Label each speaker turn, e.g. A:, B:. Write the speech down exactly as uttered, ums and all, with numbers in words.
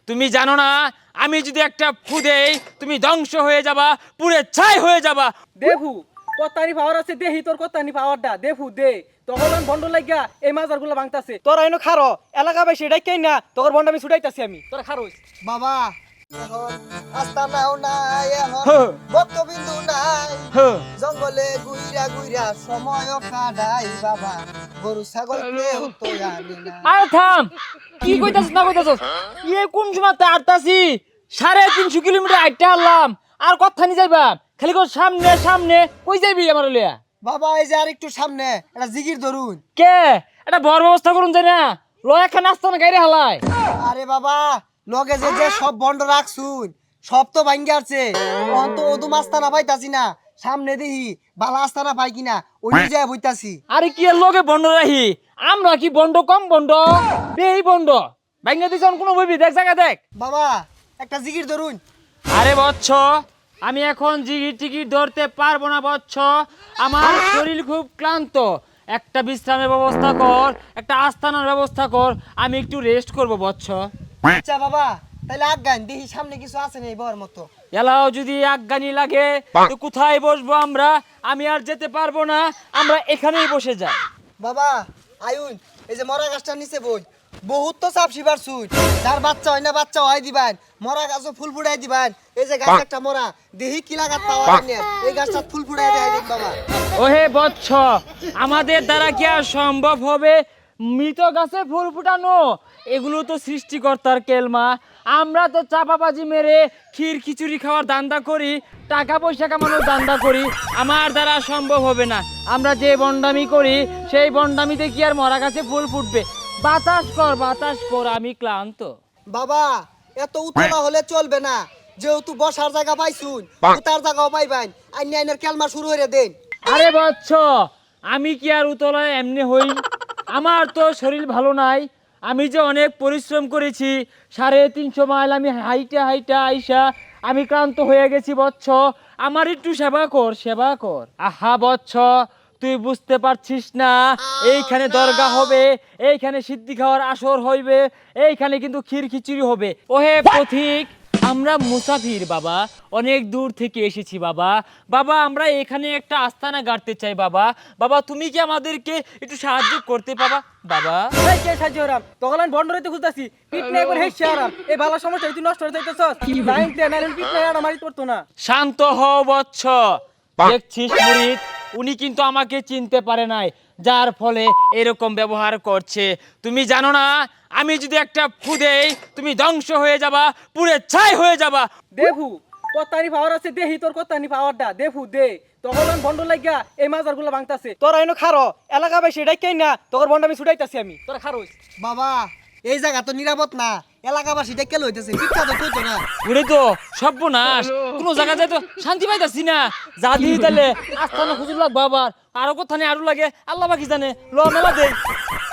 A: তুমি জানো না আমি যদি একটা ফু দেই তুমি ধ্বংস হয়ে যাবা, পুরে ছাই হয়ে যাবা।
B: দেফু কত্তানি পাওয়ার আছে দেহি তোর কত্তানি পাওয়ারটা দেফু দে তখন বন্ড লাগিয়া এই মাজার গুলো ভাঙতাছে তোরা এনো খারো এলাকা ভাই সেটাই কেন না তোর বন্ড আমি ছুটাইতাছি আমি তোরা খারোস
C: বাবা এখন আস্তানাও নাই এখন
A: হ্যাঁ।
C: বক্তবিন্দু নাই
A: হ্যাঁ।
C: জঙ্গলে গুইরা গুইরা সময় কাটাই বাবা গরু ছাগল কেউ তো জানি না।
A: আরে থাম, কি কইতাছ না কইতাছ? ইয়ে কোন সময় তাড়তাছি সাড়ে তিনশো কিলোমিটার আইটা হারলাম, আর কথা নি যাইবা খালি কো সামনে সামনে কই যাইবি আমার লিয়া?
C: বাবা এই যে আর একটু সামনে একটা জিগির ধরুন।
A: কে এটা বড় ব্যবস্থা করুন যাই না, লয় একখান আসতো না গাড়ি হালায়।
C: আরে বাবা লগে যে যে সব বন্ধ রাখছুন সব তো ভাঙ্গে আছে, অন তো ওদু মাস্তানা পাইতাছি না, সামনে দেখি বালা আস্তানা পাই কিনা ওই যায় বইতাছি।
A: আরে কি এর লগে বন্ড রাহি, আমরা কি বন্ড কম বন্ড বেই বন্ড ভাঙ্গা দিছন কোন বইবি দেখ জায়গা দেখ।
C: বাবা একটা জিগির ধরুন।
A: আরে বচ্চ আমি এখন জিগির টিকিট ধরতে পারবো না বচ্চ, আমার শরীর খুব ক্লান্ত, একটা বিশ্রামের ব্যবস্থা কর, একটা আস্তানার ব্যবস্থা কর, আমি একটু রেস্ট করব বচ্চ।
C: আচ্ছা বাবা তাহলে আজ্ঞান দেখি সামনে কিছু আছে নেই বর মতো।
A: এলাও যদি আজ্ঞানি লাগে তো কোথায় বসবো আমরা, আমি আর যেতে পারবো না, আমরা এখানেই বসে যাই।
C: বাবা আয়ুন এই যে মরা গাছটার নিচে বই বহুত তো চাপ শিবার সুই, যার বাচ্চা হয় না বাচ্চা হয় দিবেন, মরা গাছও ফুল ফুটাই দিবেন। এই যে গাছ একটা মরা দেহি কিলা গাছ পাওয়া যায় না, এই গাছটা ফুল ফুটাই দেয় দেখ বাবা।
A: ওহে বচ্চ আমাদের দ্বারা কি আর সম্ভব হবে মৃত গাছে ফুল ফুটানো? এগুলো তো সৃষ্টিকর্তার কেলমা, আমরা তো চাপাবাজি মেরে ক্ষীর খিচুড়ি খাওয়ার দান্দা করি, টাকা পয়সা কামানোর দান্দা করি, আমার দ্বারা সম্ভব হবে না। আমরা যে বন্ডামি করি সেই বন্ডামিতে কি আর মরা গাছে ফুল ফুটবে? বাতাস কর বাতাস কর, আমি ক্লান্ত।
C: বাবা এত উতলা হলে চলবে না, যেহেতু বসার জায়গা পাইছুন উতার জায়গাও পাইবেন, আইন আইনের কেলমা শুরু হয়ে দেন।
A: আরে বচ্চ আমি কি আর উতলায় এমনি হই? আমার তো শরীর ভালো নাই, আমি যে অনেক পরিশ্রম করেছি, সাড়ে তিনশো মাইল আমি হাইটা হাইটা আইসা আমি ক্লান্ত হয়ে গেছি বচ্চ, আমার একটু সেবা কর সেবা কর। আহা বচ্চ তুই বুঝতে পারছিস না, এইখানে দরগা হবে, এইখানে সিদ্ধি খাওয়ার আসর হইবে, এইখানে কিন্তু ক্ষীর খিচুড়ি হবে। ওহে পথিক আমরা মুসাফির বাবা, অনেক দূর থেকে এসেছি বাবা, বাবা আমরা এখানে একটা আস্তানা গাড়তে চাই বাবা, বাবা তুমি কি আমাদেরকে একটু সাহায্য করতে পাবা বাবা?
B: এই কে সাহায্য হরাম তখন আমি বন্ড রইতে খুলতাছি পিট না একবার হেসে আরাম এই ভালো সমস্যা তুই নষ্ট হয়ে যাইতেছস লাইন তে নাইন পিট না আর মারি পড়তো না।
A: শান্ত হও বচ্চ, দেখছিস মুরিদ উনি কিন্তু আমাকে চিনতে পারে নাই, যার ফলে এরকম ব্যবহার করছে। তুমি জানো না আমি যদি একটা ফু দেই তুমি ধ্বংস হয়ে যাবা, পুরে ছাই হয়ে যাবা।
B: দেফু কত্তানি পাওয়ার আছে দেহি তোর কত্তানি পাওয়ারটা দেফু দে তখন বন্ড লাগিয়া এই মাজার গুলো ভাঙতাছে তোরা এনো খারো এলাকা ভাই সেটাই কেন না তোর বন্ড আমি ছুটাইতাছি আমি তোরা খারোস।
C: বাবা এই জায়গা তো নিরাপদ না, এলাকাবাসী দেখে লইতেছে পিঠা তো কইতো না।
A: ওরে তো সর্বনাশ, কোনো জায়গা যায় তো শান্তি পাইতাছি না, যা দিই তাহলে আস্তানা খুঁজে লাগবো, আবার আরো কোথানে আরো লাগে আল্লাহ বাকি জানে, ল মেলা দে।